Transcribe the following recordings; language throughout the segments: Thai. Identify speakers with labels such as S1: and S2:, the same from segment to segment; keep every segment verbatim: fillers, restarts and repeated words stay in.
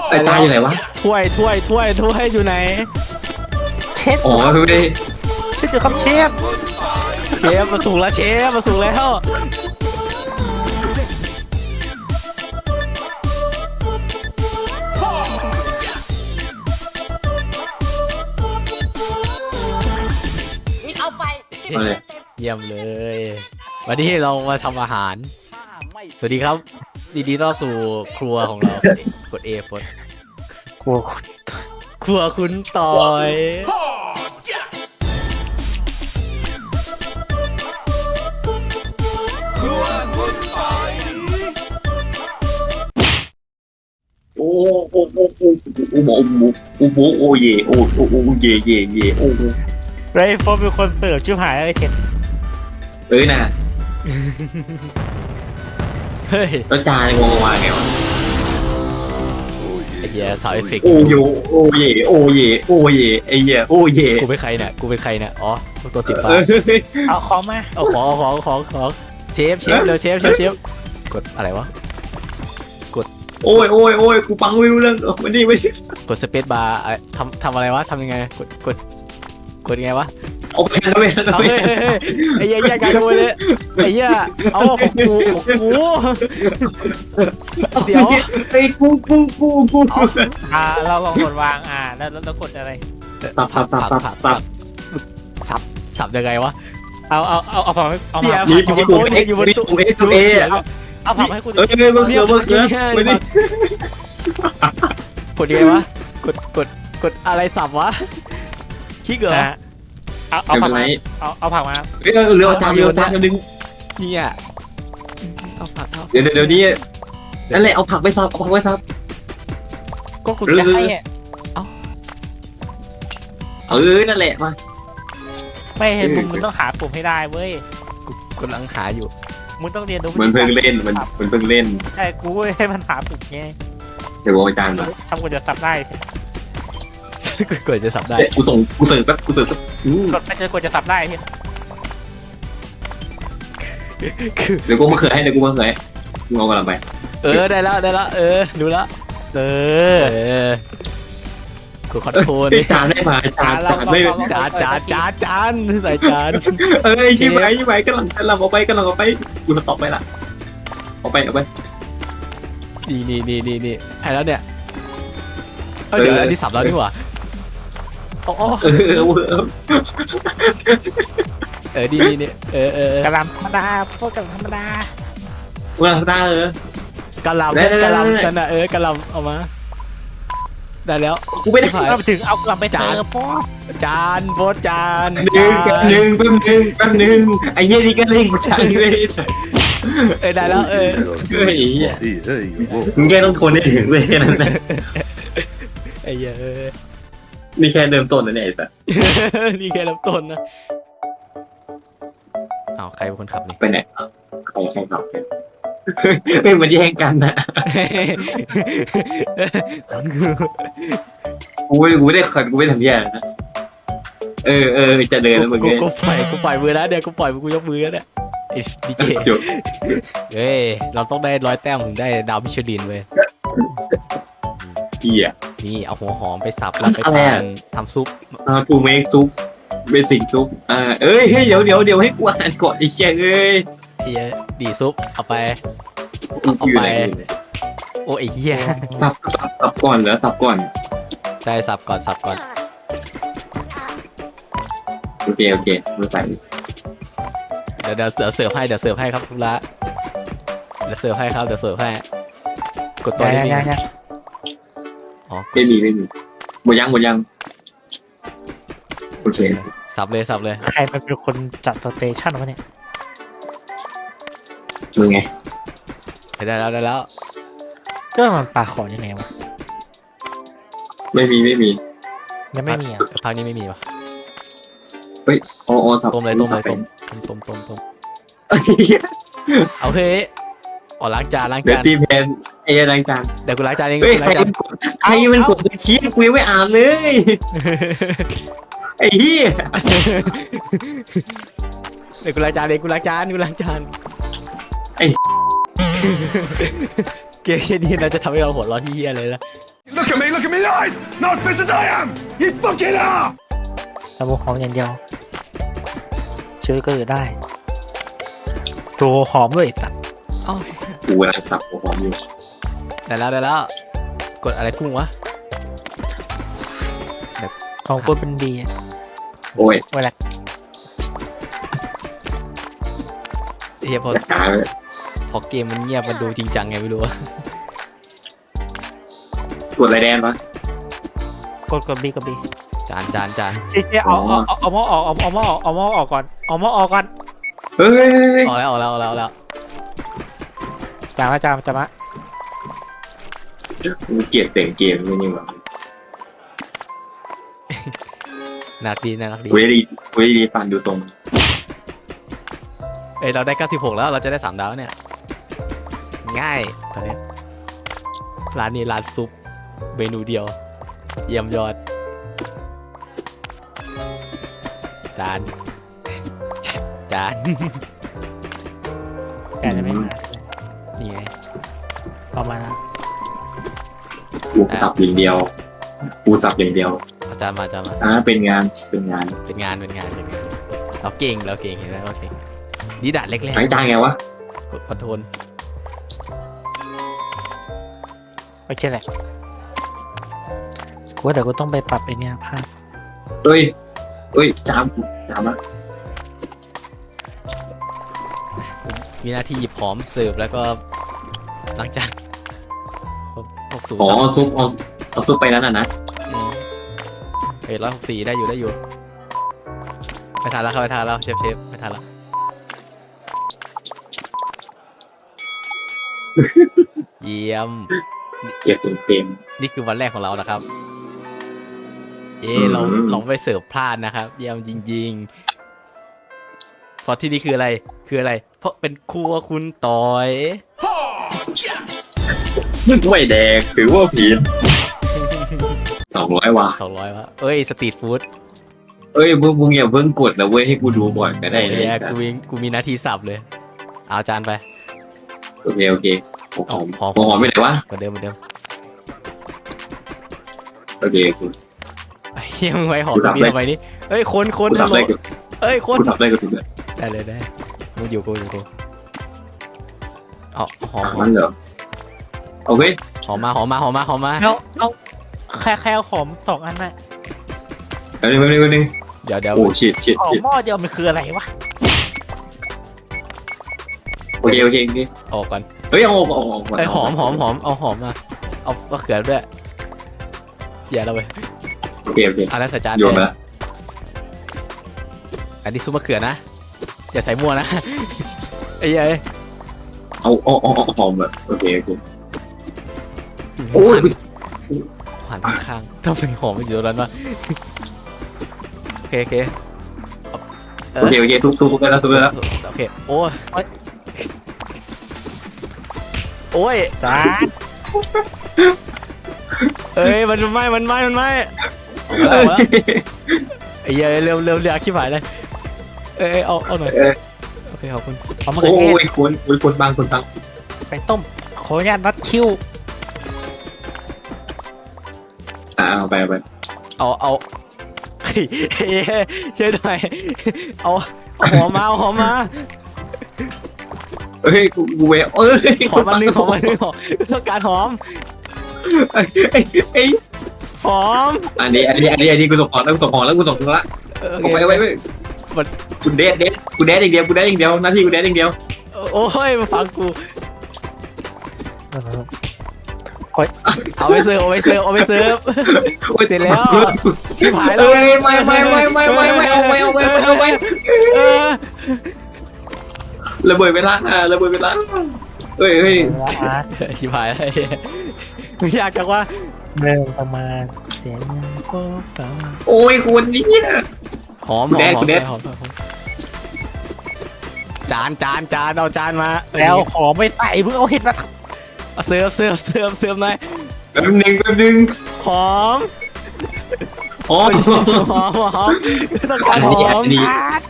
S1: ไอ้จานอยู่ไหนวะ
S2: ถ้วยถ้วยถ้วยถ้วยอยู่ไหน
S3: เชฟ
S1: อ๋อไม่ได้
S3: เชฟอยู่ครับเชฟ
S2: เชฟมาสูงแล้วเชฟมาสูงแล้ว
S4: เอาไป
S2: เยี่ยมเลยวันนี้เรามาทำอาหารสวัสดีครับดีดีต้อนสู่ครัวของเรากด A กด
S3: ครัว
S2: ครัวคุณต่อย
S1: โอ้โอ้โอ้โอ้โอ้โอ้โอ้โอ้โอ้เย่โอ้โอ้โอ้เย่เย่เย่โอ้
S3: ไรโฟนเป็นคนเสิร์ฟชิบหายเลยเห็น
S1: เอ้ยน่ะ
S2: เฮ้ย
S1: แล้วจานงงมาไงวะ
S2: ไอ้เหี้ยสาวเอฟเฟกต์
S1: โอ้โยโอ้เย่โอ้เย่โอ้เย่ไอ้เหี้ยโอ้เย่
S2: กูเป็นใครเนี่ยกูเป็นใครเนี่ยอ๋อตัวสิบฟ้า
S3: เอาของมา
S2: เอาของของของของเชฟเชฟเร็วเชฟเชฟเชฟกดอะไรวะกด
S1: โอ้ยโอ้ยโอ้ยกูฟังไม่รู้เรื่องไม่ดีไม่ดี
S2: กดสเปซบาร์ทำทำอะไรวะทำยังไงกดกดกดยังไงวะ
S1: เอาไปแล้วเว้ย
S2: เอาเฮ้ยไอ้เหี้ยแยกกันด้วยเลยไอ้เหี้ยเอาของกูของกูเดี๋ยว
S1: ไอ้กูกูกูกู
S3: อ่าเราลองกดวางอ่าแล้วเรากดอะไร
S1: สับสับสับสับสับ
S2: สับสับยังไงวะ
S3: เอาเอาเอาเอาผักเอาผัก
S1: อยู่บนโต๊ะอยู่บนโต๊ะเอสเอ
S3: เอาผักให้กู
S1: เออเออมาเสือมาเสือไม่ได้
S2: กดยังไงวะกดกดกดอะไรสับวะคิกเหรอ
S3: เอาเอาผักมาเอาเอาผักมา
S1: เฮ้ยเรือจานเรือจานนึง
S2: เนี่ยเอาผักเอา
S1: เดี๋ยวเดี๋ยวนี้นั่นแหละเอาผักไปซับเอาผักไปซับ
S3: ก็คุณจะให้
S2: เอา
S1: เออนั่นแหละมา
S3: ไม่เห็นมึงมึงต้องหาปุ่มให้ได้เว้ย
S2: กูกำลังหาอยู่
S3: มึงต้องเรียนรู้
S1: มันเพิ่งเล่นมันมันเพิ่งเล่น
S3: ใช่กูให้มันหาปุ่มไง
S1: เดี๋ยวอาจารย์มา
S3: ทำกูจะซับได้
S2: กูจะสับได้
S1: กูส่งกูเสิร์ฟแป๊บกูเสิร์ฟแป๊บ
S3: กดไม่เจอกูจะสับได้เห็น
S1: เดี๋ยวกูมาเขือให้เดี๋ยวกูมาเขือให้มึงเอากลับไป
S2: เออได้แล้วได้แล้วเออดูแล้ว
S3: เออเออ
S2: กูขอโทษ
S1: จานได้มาจานจานไม่
S2: จานจานจานจานใส่จาน
S1: เออยี่ไหมยี่ไหมกำลังกำลังเอาไปกำลังเอาไปกูสต็อปไปละเอาไปเอาไป
S2: นี่นี่นี่นี่นี่ให้แล้วเนี่ยเดี๋ยวอันนี้สับแล้วนี่หว่า
S3: โอ้
S1: เออเออ
S2: เออดีนี่เออเออก
S3: ะหล่ำธรรมดาพวกกะหล่ำธรรมดา
S1: ว่าธรรมดาเออก
S2: ะหล่ำกะหล่ำกันนะเออกะหล่ำเอามาได้แล้ว
S1: กูไม่ได้
S3: เอาไปถึงเอากลับไปจานพ่อ
S2: จานโพสจาน
S1: หนึ่งหนึ่งแป๊บนึงแป๊บนึงไอ้เหี้ยนี่ก็เล่นกูจานเลย
S2: เออได้แล้วเออ
S1: เฮ้ยมึงแค่ต้องทนให้ถึงเลยนั่นแหละ
S2: ไอ้เหี้ย
S1: นี่แค่เริ่มต้นนะเนี่ยไอ้สัส
S2: นี่แค่เริ่มต้นนะอ้าวใครเป็นคนขับนี่
S1: ไปไหนใครใครขับเนี่ยไม่มาแย่งกันนะกูไม่กูไม่ได้ขัดกูไม่ทำแย่นะเออเออจะเดินแล้วมึงเนี่ย
S2: กูปล่อยกูปล่อยมือแล้วเดี๋ยวกูปล่อยกูยกมือแล้วเนี่ยไอ้ดีเจเฮ้ยเราต้องได้ร้อยแต้มถึงได้ดาวมิชลินเว้ย
S1: เหี้ย
S2: นี่เอาหัวหอมไปสับแล้วไปทำทำซุป
S1: อ่าปูเมกซุปเบสิกซุปอ่าเอ้ยเดี๋ยวเดี๋ยวเดี๋ยวให้กูอ่านก่อนไอ้เชี่ยเอ้ย
S2: เฮียดีซุปเอาไปเอาไปโอ้ไอ้เหี้ย
S1: สับสับสับก่อนเหรอสับก่อน
S2: ใช่สับก่อนสับก่อน
S1: โอเคโอเคมาใส่
S2: เดี๋ยวเดี๋ยวเสิร์ฟให้เดี๋ยวเสิร์ฟให้ครับทุละเดี๋ยวเสิร์ฟให้ครับเดี๋ยวเสิร์ฟให้กดตัวนี้อ๋อ
S1: ไม่มีไม่มีหมดยังหมดยังโอเค
S2: สับเลยสับเลย
S3: ใครมันเป็นคนจัดสเตชันวะเนี่ย
S1: มึงไง
S2: ได้แล้วได้แล้ว
S3: ก็มันปลาขอยังไงวะ
S1: ไม่มีไม่มี
S3: ยังไม่มีอ่ะ
S2: พักนี้ไม่มีวะ
S1: เฮ้ยอ๋อสับ
S2: ต้มเลยต้มเลยต้มต้มต้มต้มเอาเฮ้ยอ๋อล้างจานล้างจาน
S1: เดี๋ยวตีแพนเอล้างจาน
S2: เดี๋ยวกูล้างจานเอง
S1: เฮ้ยใครมันกดใครมันกดสคริปต์กูยังไม่อ่านเลยไอ้เหี้ย
S2: เดี๋ยวกูล้างจานเองกูล้างจานกูล้างจาน
S1: ไอ้
S2: เกมนี้เราจะทำให้เราหัวร้อนที่เหี้ยเลยนะ
S5: Look at me, look at me eyes! Not as pissed as I am! You fucking are!
S3: ระบบหอมอย่างเดียวช่วยก็อยู่ได้โรหอมด้วยตัด
S2: เอ้า
S1: กูกำลังสับหัวหอมอยู่
S2: ได้แล้วได้แล้วกดอะไรพุ่งวะ
S3: ของคนเป็นดี
S1: โอ้ย
S3: เวลา
S2: เฮียพอ
S1: จะหายเลย
S2: พอเกมมันเงียบมันดูจริงจังไงไม่รู้อะ
S1: กดอะไรแดนปะ
S3: กดกดบีกดบี
S2: จานจานจาน
S3: เจ๊เจ๊เอาเอาเอาเอาหม้อออกเอาเอาหม้อออกเอาหม้อออกก่อนเอาหม้อออกก่อน
S1: เฮ้ย
S2: ออกแล้วออกแล้วออกแล้วออกแล้ว
S3: จามะจามะจามะ
S1: กูเกลียดเสียงเกมไม่นี่หว่า
S2: น่ารักดีน่ารักดี
S1: เวดีเวดีฟันดูตรง
S2: เอ้ยเราได้เก้าสิบหกแล้วเราจะได้สามดาวเนี่ยง่ายตอนนี้ร้านนี้ร้านซุปเมนูเดียวเยี่ยมยอดจาน จาน
S3: แต่จะไม่มา
S2: นี่ไง
S3: ประมาณนั้น
S1: กูสับอย่างเดียวกูสับอย่างเดียว
S2: เอาจานมาจานมา
S1: อ่าเป็นงานเป็นงาน
S2: เป็นงานเป็นงานเป็นงานเราเก่งเราเก่งเห็นไหมเราเก่งนี่ดัดเล็ก
S1: ทั้งจานไงวะ
S2: ๆกดคอนโทรล
S3: โอเคแหละกูว่าแต่กูต้องไปปรับไอเนี้ยภาพ
S1: เฮ้ยเฮ้ยจามจามอะ
S2: มีหน้าที่หยิบหอมเสิร์ฟแล้วก็ล้างจานหกสูง
S1: อ๋อซุปเอาเอาซุปไปนั้นอ่ะนะ
S2: เฮ้ยร้อยหกสี่ได้อยู่ได้อยู่ไปทานแล้วเข้าไปทานแล้วเชฟเชฟไปทานแล้ว เยี่ยม
S1: เก็บเป็นเต็ม
S2: นี่คือวันแรกของเรานะครับ เอ๊ะ
S1: อืม
S2: เราเราไม่เสิร์ฟพลาดนะครับ เยี่ยมจริงๆเพราะที่นี่คืออะไรคืออะไร เพราะเป็นครัวคุณต่อย
S1: ไม่แดงถือว่าผิดสองร้อยว่ะ
S2: สองร้อยวะเอ้ยสตรีทฟู้ด
S1: เอ้ยมึงมึงอย่าเพิ่งกดนะเว้ยให้กูดูก่อนก็ได้เลย
S2: เอ้ยกูมีกูมีหน้าที่สับเลย เอาจานไป
S1: โอเคโอเคหอมหอม
S2: หอม
S1: หอมหอมไปไหนวะ
S2: เหมือนเดิมเหมือนเดิม
S1: โอเคกู
S2: ไอ้เฮียมึงไว้หอม
S1: กู
S2: ตร
S1: สับ
S2: งนี้
S1: เลย
S2: ทำไมนี่เอ้ยคนคน
S1: กูสับได้กู
S2: เอ้ยคน
S1: กูสับได้กูสับได้
S2: ได้เลยได้มึงอยู่กูอยู่กูเอาหอม
S1: อ่ะ
S2: หอ
S1: มั
S2: ม
S1: นเหรอโอเค
S2: หอมมาหอมมาหอมมาหอมมา
S3: เอาเอาแค่แค่เอาหอมสองอันน่ะ
S1: แป๊บนึงแป๊บนึงแป๊บนึง
S2: เดี๋ยวเดี๋ยว
S1: โอ้ชิดชิด
S3: หอม
S1: ชิด
S3: หม้อเดียวมันคืออะไรวะ
S1: โอเคโอเคโอเค
S2: ออกก่อน
S1: เฮ้ยเอาออกเอาออก
S2: ไอ้ยหอมหอมหอมเอาหอมมาเอามะเขือด้วยอย่าเราไป
S1: โอเคโอเค
S2: เอาแล้วใส่จาน
S1: โยน
S2: เล
S1: ไป
S2: ย
S1: ละ
S2: อันนี้ซุปมะเขือนะอย่าใส่มั่วนะ ไอ้เหี้ยเอ้ย
S1: เอาเอาเอาเอาหอมแบบโอเคโอเคโอ้ย
S2: ผ่านข้างๆต้องเป็นหอมอยู่ตรงนั้นวะโอเคโอเคเอา
S1: โอเคโอเคซุปซุปไปแล้วซุปไปแล้ว
S2: โอเคโอ้ยโอ้ย
S3: จ้า
S2: เอ้ยมันไหม้มันไหม้มันไหม้เอาแล้วเอาแล้วไอ้เหี้ยเร็วเร็วเร็วขี้ผายเลยเอ้ยเอ้ยเอาเอาหน่อย
S1: เออ
S2: โอเคขอบคุณ
S3: เอามะเขื
S1: โอ้
S3: อเทศ
S1: ยคนโอ้ยคนบางคนบาง
S3: ไปต้มขออนุญาตนัดคิว
S1: อ่าเอาไปเอาไป
S2: เอาเอาเฮ้ยเฮ้ยช่วยหน่อยเอาเอาหอมมาเอาหอมมา
S1: เฮ้ยกูกูเวเอ้ย
S2: หอมมาหนึ่งหอมมาหนึ่งหอมต้องการหอม
S1: ไอ้ไอ้
S2: หอม
S1: อันนี้อันนี้อันนี้อันนี้กูส่งของแล้วกูส่งของแล้วกูส่งของละ
S2: เออโอ
S1: เอา
S2: เค
S1: ไปเอาไปเอาไปกูเดทเดทกูเดทอย่างเดียวกูเดทอย่างเดียวหน้าที่กูเดทอย่างเดียว
S2: โอ้ยมาฟังกู
S3: เออ
S2: เอาไปเสิร์ฟเอาไปเสิร์ฟเอาไปเสิร์ฟ
S1: โอ้ย
S2: เสร็จแล้วชิบหายแล้
S1: เอ้
S2: วย
S1: ไม่ไม่ไม่ไม่ไม่ไม่เอาไปเอาไปเอาไปเอาไป
S2: เออ
S1: ระเบิดเวลาอ่ะระเบิดเวลาเฮ้ยเฮ้ย
S3: เวลาอาร์ต
S2: ชิบหายแล้วมึงอยากจังว่า
S3: เริ่มประมาณเสียงก็ฟัง
S1: โอ้ยคุณนี่
S2: หอมหอม
S1: แดด
S2: หอม
S1: แดด
S2: หอมหอมหอมจานจานจานเอาจานมาเออ
S3: แล้วหอมไม่ใส่เพิ่งเอาเห็ดมาท
S2: เอาเสิร์ฟเสิร์ฟเสิร์ฟเสิร์ฟหน่อย
S1: แป๊บนึงแป๊บนึง
S2: หอม
S1: อ๋อ
S2: หอมหอมต้องการหอม
S1: อันนี้
S3: ำอาร์ต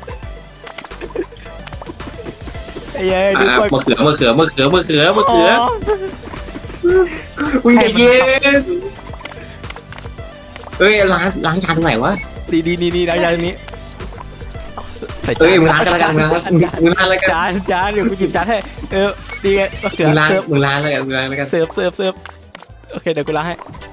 S2: ไอ้เย้ยดู
S1: อ่ะ
S2: ก่อน
S1: มะเขือมะเขือมะเขือมะเขือมะเขือ
S2: หอม
S1: อุ้ยใจเย็นเอ้ยล้างล้างจานตรงไหนวะ
S2: ดีดีนี่นี่ได้จานนี้ใส่จาน
S1: เอ้ยมึงล้างกันแล้วกันมึงล้างมึงล้างแล้วกัน
S2: จานจานเดี๋ยวกูหยิบจานให้เออดีไงมะเขือ
S1: มึงล้าง
S2: เสิร์ฟ
S1: มึงล้างแล้วกันมึงล้างแล้วกัน
S2: เสิร์ฟเสิร์ฟเสิร์ฟโอเคเดี๋ยวกูล้างให้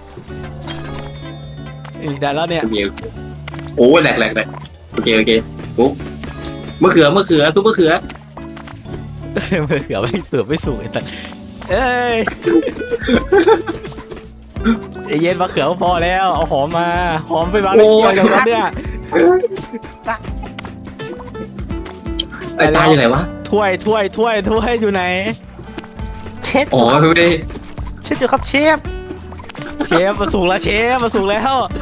S2: อีกได้แล้วเนี่ย
S1: โอเคโอ้แหลกแหลกแหลกโอเคโอเคปุ๊บมะเขือมะเขือทุกมะเขือ
S2: มะเขือไม่เสิร์ฟไม่สูงไอ้สัสเอ้ยไอ้เย็นมะเขือพอแล้วเอาหอมมาหอมไปวางในเกี๊ยวเดี๋ยวนั้นเนี่ย
S1: ไอ้จานอยู่ไหนวะ
S2: ถ้วยถ้วยถ้วยถ้วยอยู่ไหน
S3: เช็ด
S1: อ๋อไม่ได้
S3: เช็ดอยู่ครับเชฟ
S2: เชฟมาสูงแล้วเชฟมาสูงแล้ว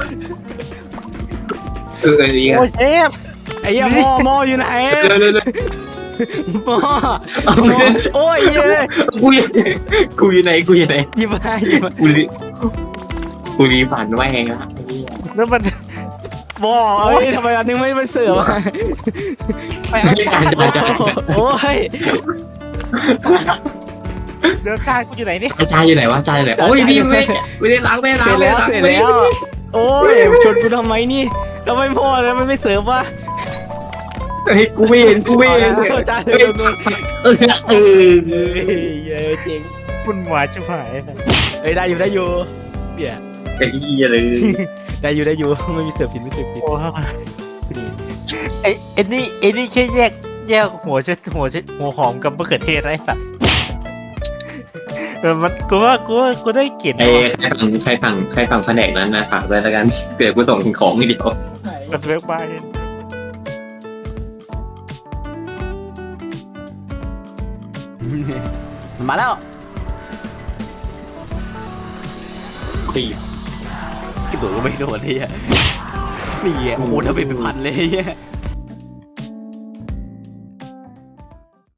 S1: เออเออดีกัน
S3: โอ้เชฟ
S2: ไอ้เหี้ยหม้อหม้ออยู่ไหน
S1: เร็วเร็วเร็ว
S2: หม้อ
S1: เอาไปเลย
S2: โอ้ยเย้ย
S1: กูอยู่กูอยู่ไหนกูอยู่ไหน
S2: หยิบมาหยิบมา
S1: กูรีกูรีฝันไว้ไงครับ
S3: แล้วมัน
S2: หม้อเอ้ยทำไมอันนึงไม่ไม่เสิร์ฟอะ
S3: ไปเอาจาน
S1: จานจาน
S2: โอ้ย
S3: เดี๋ยวจานกูอยู่ไหนนี่
S1: จานอยู่ไหนวะจานอยู่ไหนโอ้ยพี่ไม่ไม่ได้ล้างไม่ได้
S2: เส
S1: ล้า
S2: ร็
S1: ง
S2: จ
S1: ไม่
S2: แล้ว
S1: ได้ล้าง
S2: เสร็จแล้วโอ้ยชนกูทำไมนี่ทำไมพ่อแล้วมันไม่เสิร์ฟวะ
S1: เฮ้ยกูไม่เห็นกูไม่เห็น
S2: เอาจาน
S1: เอ
S2: เดิ
S1: อ
S2: มเลย
S1: เออเออ
S2: เฮ้ยเย้ยเจ๋ง
S3: คุณหวานชิบหาย
S2: เอ้ยได้อยู่ได้อยู่เนี่ย
S1: ไอ้เหี้ยเลย
S2: ได้อยู่ได้อยู่ไม่มีเสิร์ฟผิดไม่เสิร์ฟผิด
S3: โอ้ไอ้ไอ้นี่ไอ้นี่แค่แยกแยกหัวเช็ดหัวเช็ดหัวหอมกับมะเขือเทศไอ้สัตว์เออมันกูว่ากูว่ากูได้กลิ่น
S1: ไอ้ใครฝั่งใครฝั่งใครฝั่งแผนกนั้นนะฝากไว้แล้วกันเกิดกูส่งของทีเดียว
S3: กับเว็บบ้าน
S2: มาแล้วตีกระโดดก็ไม่โดดเลยอ่ะนี่อ่ะโอ้โหถ้าเป็นเป็นพันเลยอ่ะ